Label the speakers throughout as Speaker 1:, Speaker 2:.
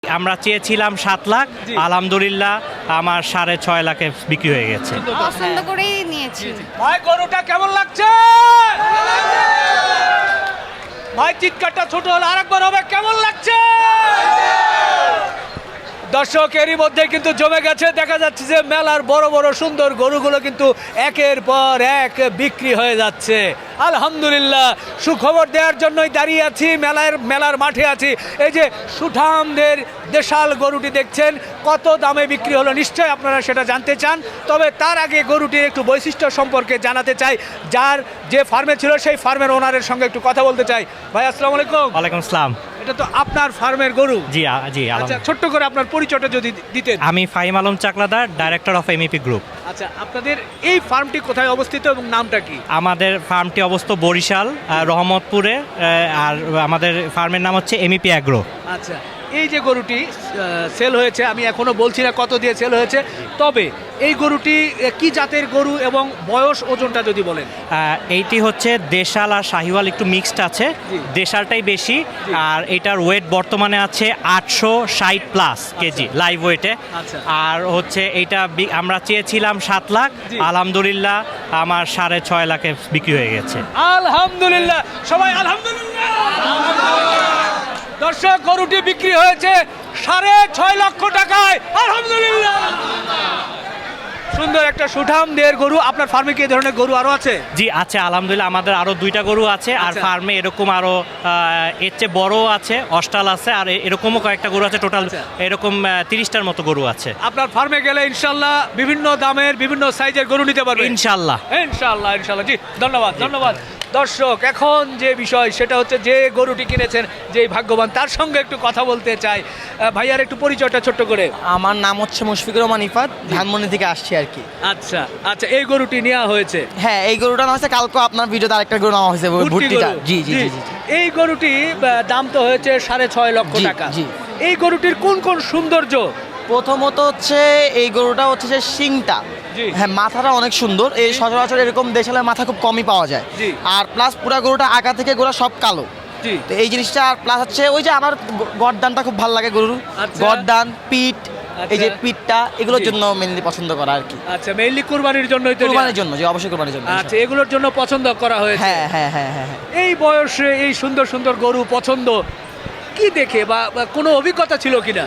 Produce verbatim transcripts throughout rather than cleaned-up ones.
Speaker 1: আমরা চেয়েছিলাম সাত লাখ, আলহামদুলিল্লাহ আমার সাড়ে ছয় লাখে বিক্রি হয়ে গেছে।
Speaker 2: পছন্দ করেই নিয়েছি।
Speaker 3: ভাই গরুটা কেমন লাগছে? ভাই চিৎকারটা ছোট হলো, আরেকবার হবে, কেমন লাগছে? দর্শকেরই মধ্যে কিন্তু জমে গেছে। দেখা যাচ্ছে যে মেলার বড় বড় সুন্দর গরুগুলো কিন্তু একের পর এক বিক্রি হয়ে যাচ্ছে। আলহামদুলিল্লাহ, সুখবর দেওয়ার জন্যই দাঁড়িয়ে আছি, মেলার মেলার মাঠে আছি। এই যে সুঠামদের দেশাল গরুটি দেখছেন, কত দামে বিক্রি হলো নিশ্চয়ই আপনারা সেটা জানতে চান। তবে তার আগে গরুটির একটু বৈশিষ্ট্য সম্পর্কে জানাতে চাই, যার যে ফার্মে ছিল সেই ফার্মের ওনারের সঙ্গে একটু কথা বলতে চাই। ভাই আসসালামু আলাইকুম।
Speaker 1: ওয়ালাইকুম আসসালাম।
Speaker 3: এটা তো আপনার ফার্মের গরু?
Speaker 1: জি আ- জি
Speaker 3: আচ্ছা,
Speaker 1: আলহামদুলিল্লাহ।
Speaker 3: ছোট্ট করে আপনার পরিচয়টা যদি দিতেন।
Speaker 1: আমি Fahim Alam Chakladar, director of MEP group.
Speaker 3: আচ্ছা, আপনাদের এই ফার্মটি কোথায় অবস্থিত এবং নামটা কি?
Speaker 1: আমাদের ফার্মটি অবস্থিত বরিশাল আহ, রহমতপুরে, আহ, আর আমাদের ফার্মের নাম হচ্ছে এমইপি অ্যাগ্রো।
Speaker 3: আচ্ছা, এই যে গরুটি সেল হয়েছে, আমি এখনো বলছি না কত দিয়ে সেল হয়েছে, তবে এই গরুটি আহ, কি জাতের গরু এবং বয়স ওজনটা যদি বলেন।
Speaker 1: আহ, এইটি হচ্ছে দেশাল আর শাহিওয়াল একটু মিক্সড আছে,
Speaker 3: জি।
Speaker 1: দেশালটাই বেশি। আর এটার ওয়েট বর্তমানে আছে আটশো ষাট প্লাস কেজি লাইভ ওয়েটে।
Speaker 3: আচ্ছা।
Speaker 1: আর হচ্ছে এইটা বি- আমরা চেয়েছিলাম সাত লাখ,
Speaker 3: জি।
Speaker 1: আলহামদুলিল্লাহ আমার সাড়ে ছয় লাখে বিক্রি হয়ে গেছে।
Speaker 3: আলহামদুলিল্লাহ, সবাই আলহামদুলিল্লাহ। দর্শক, গরুটি বিক্রি হয়েছে সাড়ে ছয় লক্ষ টাকায়, আলহামদুলিল্লাহ। সুন্দর একটা সুঠাম দেহের গরু। আপনার ফার্মে কি এই ধরনের গরু আরো আছে?
Speaker 1: জি আছে, আলহামদুলিল্লাহ আমাদের আরো দুইটা গরু আছে। আর
Speaker 3: আচ্ছা।
Speaker 1: ফার্মে এরকম আরো আহ, এর চেয়ে বড় আছে, অস্টাল আছে, আর এ- এরকমও কয়েকটা গরু আছে। টোটাল
Speaker 3: আচ্ছা।
Speaker 1: এরকম তিরিশটার মতো গরু আছে
Speaker 3: আপনার ফার্মে গেলে ইনশাল্লাহ বিভিন্ন দামের বিভিন্ন সাইজের গরু নিতে পারবেন
Speaker 1: ইনশাল্লাহ।
Speaker 3: ইনশাল্লাহ ইনশাল্লাহ। জি, ধন্যবাদ ধন্যবাদ। দর্শক, এখন যে বিষয় সেটা হচ্ছে যে গরুটি কিনেছেন, যেই ভাগ্যবান, তার সঙ্গে একটু কথা বলতে চাই। আহ, ভাইয়ার একটু পরিচয়টা ছোট্ট করে।
Speaker 4: আমার নাম হচ্ছে মুশফিকুর রহমান ইফাত, ধানমন্ডি থেকে আসছি আর কি।
Speaker 3: আচ্ছা আচ্ছা, এই গরুটি নেওয়া হয়েছে।
Speaker 4: হ্যাঁ, এই গরুটা না হচ্ছে কালকে আপনার ভিডিওতে আরেকটা গরু নেওয়া হয়েছে,
Speaker 3: ভুট্টি
Speaker 4: ভুট্টিটা।
Speaker 3: গরু।
Speaker 4: জি জি জি জি।
Speaker 3: এই গরুটি আহ, দাম তো হয়েছে সাড়ে ছয় লক্ষ
Speaker 4: জি,
Speaker 3: টাকা।
Speaker 4: জি।
Speaker 3: এই গরুটির কোন কোন সৌন্দর্য?
Speaker 4: প্রথমত হচ্ছে এই গরুটা হচ্ছে যে শিংটা,
Speaker 3: জি।
Speaker 4: হ্যাঁ মাথাটা অনেক সুন্দর। এই সচরাচর এরকম দেশালের মাথা খুব কমই পাওয়া যায়।
Speaker 3: জি।
Speaker 4: আর প্লাস পুরা গরুটা আগা থেকে গোড়া সব কালো।
Speaker 3: জি।
Speaker 4: তো এই জিনিসটা, আর প্লাস হচ্ছে ওই যে আমার গ- গরদানটা খুব ভালো লাগে গরুর।
Speaker 3: আচ্ছা।
Speaker 4: গরদান, পিঠ, এই যে
Speaker 3: আচ্ছা।
Speaker 4: পিঠটা, এগুলোর
Speaker 3: জি।
Speaker 4: জন্য মেনলি পছন্দ করা আর কি।
Speaker 3: আচ্ছা, মেইনলি কুরবানির জন্যই তো নেওয়া।
Speaker 4: কুরবানির জন্য, যে অবশ্যই কুরবানির জন্য।
Speaker 3: আচ্ছা, এগুলোর জন্য পছন্দ করা হয়েছে।
Speaker 4: হ্যাঁ হ্যাঁ হ্যাঁ হ্যাঁ হ্যাঁ।
Speaker 3: এই বয়সে এই সুন্দর সুন্দর গরু পছন্দ কি দেখে, বা বা কোনো অভিজ্ঞতা ছিল কিনা?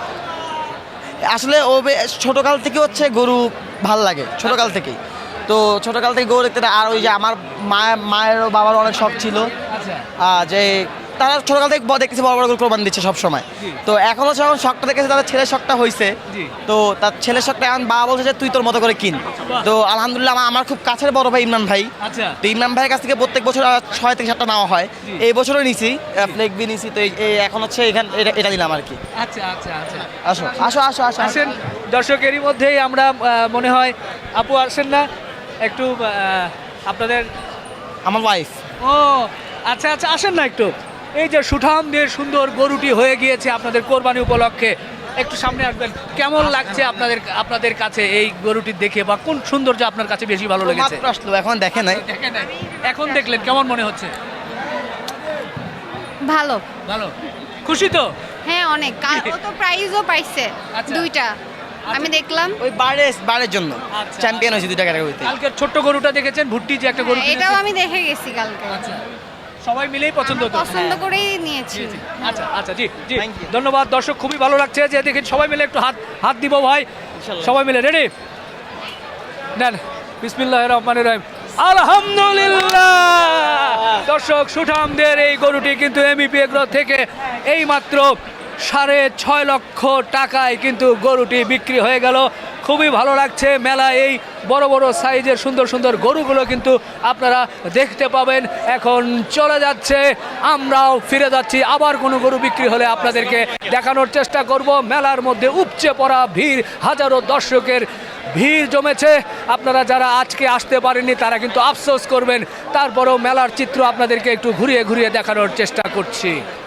Speaker 4: আসলে ও বে- ছোটকাল থেকে হচ্ছে গরু ভাল লাগে, ছোটকাল থেকেই। তো ছোটকাল থেকে গরু দেখতে, আর ওই যে আমার মায়ের মায়ের ও বাবার অনেক শখ ছিল
Speaker 3: আচ্ছা।
Speaker 4: আহ, যে তারা ছোটকাল থেকে ব- দেখতেছে বড় বড় গরু কোরবানি দিচ্ছে সব সময়।
Speaker 3: জি।
Speaker 4: তো এখনও যখন শখটা দেখেছে, তাদের ছেলের শখটা হয়েছে।
Speaker 3: জি।
Speaker 4: তো তার ছেলের শখটা এখন বাবা বলছে যে তুই তোর মতো করে কিন।
Speaker 3: বাহ।
Speaker 4: তো আলহামদুলিল্লাহ, আমার- আমার খুব কাছের বড় ভাই ইমরান ভাই।
Speaker 3: আচ্ছা।
Speaker 4: তো ইমরান ভাইয়ের কাছ থেকে প্রত্যেক বছর আহ, ছয় থেকে সাতটা নেওয়া হয়।
Speaker 3: জি।
Speaker 4: এই বছরও নিছি, ফ্লেক বি নিছি। তো এই- এই এখন হচ্ছে এখান এটা এটা নিলাম আর কি।
Speaker 3: আচ্ছা আচ্ছা আচ্ছা,
Speaker 4: আসো আসো আসো আসো আসো।
Speaker 3: আসেন। দর্শকেরই মধ্যেই আমরা আহ, মনে হয় আপু আসেন না একটু, আহ, আপনাদের।
Speaker 4: আমার ওয়াইফ।
Speaker 3: ও আচ্ছা আচ্ছা, আসেন না একটু। এই যে সুঠাম দিয়ে সুন্দর গরুটি হয়ে গিয়েছে আপনাদের কোরবানি উপলক্ষে, একটু সামনে আসবেন। কেমন লাগছে আপনাদের আপনাদের কাছে এই গরুটি দেখে, বা কোন সৌন্দর্য আপনার কাছে বেশি ভালো লেগেছে?
Speaker 4: মাত্র আসলো, এখন দেখে নাই।
Speaker 3: দেখেন নাই, এখন দেখলেন, কেমন মনে হচ্ছে?
Speaker 2: ভালো।
Speaker 3: ভালো, খুশি তো?
Speaker 2: হ্যাঁ অনেক। কা- ও তো প্রাইজও পাইছে
Speaker 3: আচ্ছা।
Speaker 2: দুইটা, আমি দেখলাম।
Speaker 4: ওই বারে বারের জন্য
Speaker 3: আচ্ছা।
Speaker 4: চ্যাম্পিয়ন হয়েছে দুইটা ক্যাটাগরিতে।
Speaker 3: কালকের ছোট্ট গরুটা দেখেছেন, ভুট্টি যে একটা গরু
Speaker 2: হ্যাঁ, এটাও
Speaker 3: কিনেছেন?
Speaker 2: আমি দেখে গেছি কালকে।
Speaker 3: আচ্ছা, সবাই মিলেই পছন্দ
Speaker 2: আমরা
Speaker 3: তো?
Speaker 2: পছন্দ করেই নিয়েছি।
Speaker 3: জি, জি। আচ্ছা আচ্ছা, জি জি,
Speaker 4: Thank you.
Speaker 3: ধন্যবাদ। দর্শক, খুবই ভালো লাগছে যে দেখেন সবাই মিলে একটু হাত হাত দিব ভাই, সবাই মিলে রেডি নেন। বিসমিল্লাহির রহমানির রহিম, আলহামদুলিল্লাহ। দর্শক, সুঠামদের এই গরুটি কিন্তু এমইপি এগ্রো থেকে এই মাত্র সাড়ে ছয় লক্ষ টাকায় কিন্তু গরুটি বিক্রি হয়ে গেল। খুবই ভালো লাগছে। মেলা এই বড় বড় সাইজের সুন্দর সুন্দর গরুগুলো কিন্তু আপনারা দেখতে পাবেন। এখন চলে যাচ্ছে, আমরাও ফিরে যাচ্ছি। আবার কোনো গরু বিক্রি হলে আপনাদেরকে দেখানোর চেষ্টা করব। মেলার মধ্যে উপচে পড়া ভিড়, হাজারো দর্শকের ভিড় জমেছে। আপনারা যারা আজকে আসতে পারেননি তারা কিন্তু আফসোস করবেন। তারপরেও মেলার চিত্র আপনাদেরকে একটু ঘুরিয়ে ঘুরিয়ে দেখানোর চেষ্টা করছি।